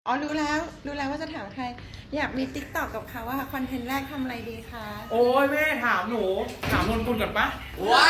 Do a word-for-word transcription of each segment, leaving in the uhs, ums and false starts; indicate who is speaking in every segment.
Speaker 1: อ๋อรู้แล้วรู้แล้วว่าจะถามใคร อยากมีติ๊กต็อกกับเขาว่าคอนเทนต์แรกทำอะไรดีคะ
Speaker 2: โอ้ยแม่ถามหนูถามนนกุลก่อนปะ
Speaker 3: ว้า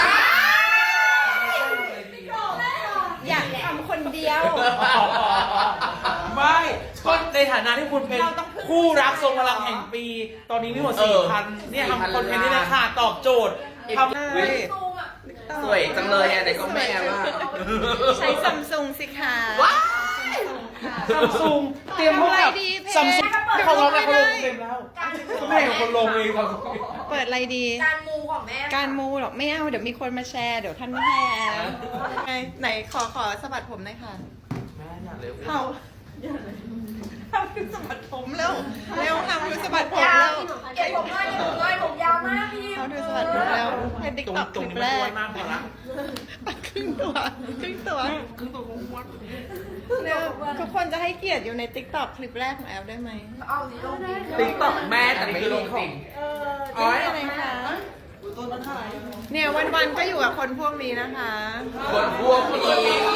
Speaker 1: อยากทำคนเดียว
Speaker 2: ไม่ก็ในฐานะที่คุณเป็น
Speaker 1: เราต้องพึ่ง
Speaker 2: คู่รักทรงพลังแห่งปี ตอนนี้มีหมดสี่พันเนี่ยทำคอนเทนต์นี่เลยค่ะตอบโจทย์ทำ
Speaker 1: เฮ้ย
Speaker 3: สวยจังเลยอ่ะแต่ก็แม่ว่า
Speaker 1: ใช้ซัมซุงสิคะ
Speaker 3: ว้า
Speaker 2: ซัมซุงเตรียมพวกแบบ
Speaker 1: ทำอะไรดีเพจ
Speaker 2: ซัมซุงเขาลงแล้วเขาลง
Speaker 1: ไม่ได้
Speaker 2: เต็มแล้วแม่เป็นคนลงเองครับ
Speaker 1: เปิดอะไรดี
Speaker 4: การมูของแม่
Speaker 1: การมูหรอกไม่เอาเดี๋ยวมีคนมาแชร์เดี๋ยวท่านไม่ให้แล้วไงไหนขอขอสะบัดผมหน่อยค่ะ
Speaker 3: แม่อยากเร็ว
Speaker 1: เขาทำคือสะบัดผมแล้วเร็วทำคือสะบัดผม
Speaker 4: ยาว
Speaker 1: แล้ว
Speaker 4: เก็บผมด้วยเก็บผมด้วยผมยาวมากพี่
Speaker 1: เขาดูสะบัดผมแล้วให้ติ๊ก
Speaker 2: ตรง
Speaker 1: ต็อก
Speaker 2: ต
Speaker 1: ค
Speaker 2: รง
Speaker 1: ลิป
Speaker 2: นี้
Speaker 1: แร
Speaker 2: มันอ้ว
Speaker 1: ก
Speaker 2: นมากเลยนะ
Speaker 1: ครึ่งตัวครึ่งตัว
Speaker 2: คือตัวอ้วน
Speaker 1: เร็วทุกคนจะให้เกียรติอยู่ในติ๊กต็อกคลิปแรกของแอลได้ไหม
Speaker 4: เอาสิลงดิ
Speaker 3: ติ๊กต็อกแม่แต่ไม่ลงจริง
Speaker 1: อ๋ออะไรคะเนี่ยวันๆก็อยู่กับคนพวกนี้นะคะ
Speaker 3: คนพวกนี้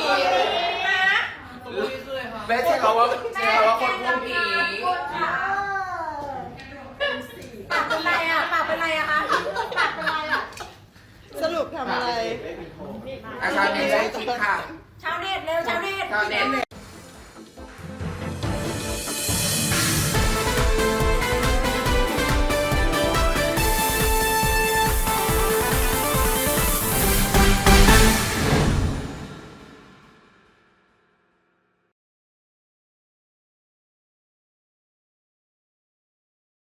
Speaker 3: แม่ใช้คำว่าใช้คำว่าคนพวกนี้
Speaker 4: ปากเป็นไรอ่ะปากเป็นไรอะคะปากเป็นไรอ่ะ
Speaker 1: สรุปทำอะไร
Speaker 3: อาจารย์เน็ตได้คิดค่ะ
Speaker 4: ชาวเน็ตเร็วชาวเน็ต
Speaker 3: ชาวเน็ต